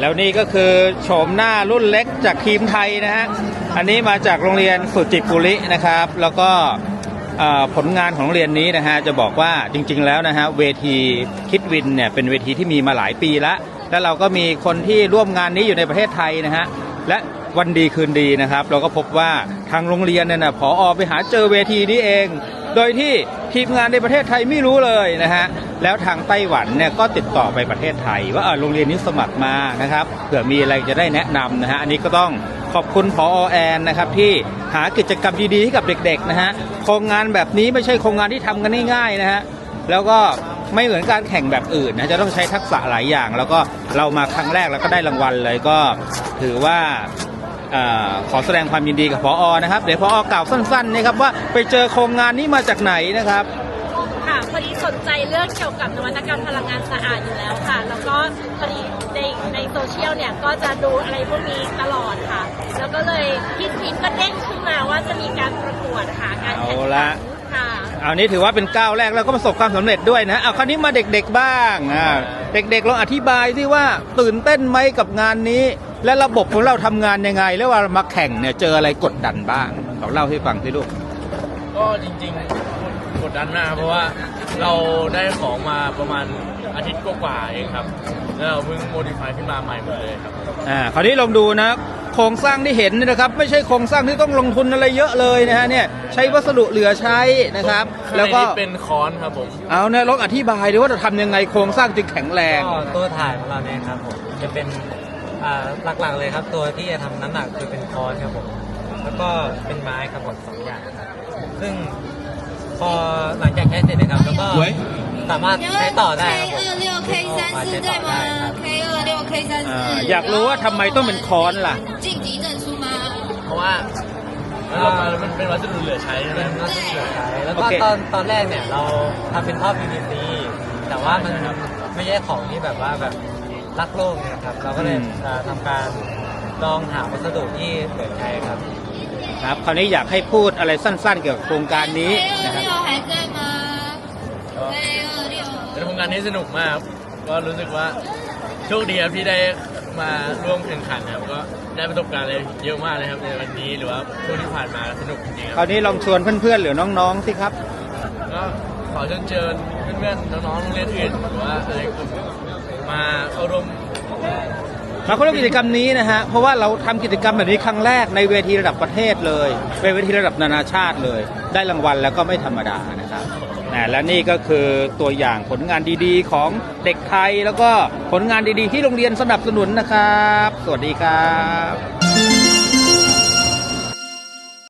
แล้วนี่ก็คือโฉมหน้ารุ่นเล็กจากทีมไทยนะฮะอันนี้มาจากโรงเรียนสุจิปุรินะครับแล้วก็ผลงานของโรงเรียนนี้นะฮะจะบอกว่าจริงๆแล้วนะฮะเวทีคิดวินเนี่ยเป็นเวทีที่มีมาหลายปีแล้วเราก็มีคนที่ร่วมงานนี้อยู่ในประเทศไทยนะฮะและวันดีคืนดีนะครับเราก็พบว่าทางโรงเรียนเนี่ยนะผอ.ไปหาเจอเวทีนี้เองโดยที่ทีมงานในประเทศไทยไม่รู้เลยนะฮะแล้วทางไต้หวันเนี่ยก็ติดต่อไปประเทศไทยว่าโรงเรียนนี้สมัครมานะครับเผื่อมีอะไรจะได้แนะนำนะฮะอันนี้ก็ต้องขอบคุณผอ.แอนนะครับที่หากิจกรรมดีๆให้กับเด็กๆนะฮะโครงงานแบบนี้ไม่ใช่โครงงานที่ทำกันง่ายๆนะฮะแล้วก็ไม่เหมือนการแข่งแบบอื่นนะจะต้องใช้ทักษะหลายอย่างแล้วก็เรามาครั้งแรกแล้วก็ได้รางวัลเลยก็ถือว่าขอแสดงความยินดีกับผอ.นะครับเดี๋ยวผอ.กล่าวสั้นๆนะครับว่าไปเจอโครงงานนี้มาจากไหนนะครับค่ะพอดีสนใจเรื่องเกี่ยวกับนวัตกรรมพลังงานสะอาดอยู่แล้วค่ะแล้วก็พอดีในโซเชียลเนี่ยก็จะดูอะไรพวกนี้ตลอดค่ะแล้วก็เลยพี่ทีมก็เด้งขึ้นมาว่าจะมีการประกวดค่ะการแข่งขันค่ะเอานี้ถือว่าเป็นก้าวแรกแล้วก็ประสบความสำเร็จด้วยนะเอาคราวนี้มาเด็กๆบ้างเด็กๆลองอธิบายที่ว่าตื่นเต้นไหมกับงานนี้และระบบของเราทำงานยังไงแล้วว่ามาแข่งเนี่ยเจออะไรกดดันบ้างเราเล่าให้ฟังสิลูกก็จริงๆกดดันมากเพราะว่าเราได้ของมาประมาณอาทิตย์กว่าเองครับแล้วเราเพิ่งโมดิฟายขึ้นมาใหม่หมดเลยครับคราวนี้ลองดูนะโครงสร้างที่เห็นนะครับไม่ใช่โครงสร้างที่ต้องลงทุนอะไรเยอะเลยนะฮะเนี่ยใช้วัสดุเหลือใช้นะครับแล้วก็เป็นค้อนครับผมเอาเนี่ยลองอธิบายดูว่าจะทำยังไงโครงสร้างจึงแข็งแรงก็ตัวถ่ายของเราเนี่ยครับผมจะเป็นหลักๆเลยครับตัวที่จะทำน้ำหนักคือเป็นค้อนครับผมแล้วก็เป็นไม้ครับผม2 อย่างครับซึ่งพอหลังจากใช้เสร็จนะครับแล้วก็สามารถใช้ต่อได้อยากรู้ว่าทำไมต้องเป็นค้อนล่ะเพราะว่ามันเป็นวัสดุเหลือใช้ใช่ไหมวัสดุเหลือใช้แล้วก็ตอนแรกเนี่ยเราทำเป็นท่อ PVC แต่ว่ามันไม่ใช่ของที่แบบว่าแบบรักโลกเนี่ยครับเราก็เลยทำการลองหาวัสดุที่เหลือใช้ครับคราวนี้อยากให้พูดอะไรสั้นๆเกี่ยวกับโครงการนี้นะครับเป็นโครงการนี้สนุกมากก็รู้สึกว่าโชคดีครับที่ได้มาร่วมแข่งขันครับก็ได้ประสบการณ์อะไรเยอะมากเลยครับในวันนี้หรือว่าช่วงที่ผ่านมาสนุกจริงๆคราวนี้ลองชวนเพื่อนๆหรือน้องๆสิครับก็ขอเชิญเพื่อนๆน้องๆโรงเรียนอื่นหรือว่าอะไรมาเข้าร่วมกิจกรรมนี้นะฮะเพราะว่าเราทำกิจกรรมแบบนี้ครั้งแรกในเวทีระดับประเทศเลยเป็นเวทีระดับนานาชาติเลยได้รางวัลแล้วก็ไม่ธรรมดานะครับและนี่ก็คือตัวอย่างผลงานดีๆของเด็กไทยแล้วก็ผลงานดีๆที่โรงเรียนสนับสนุนนะครับสวัสดีครับ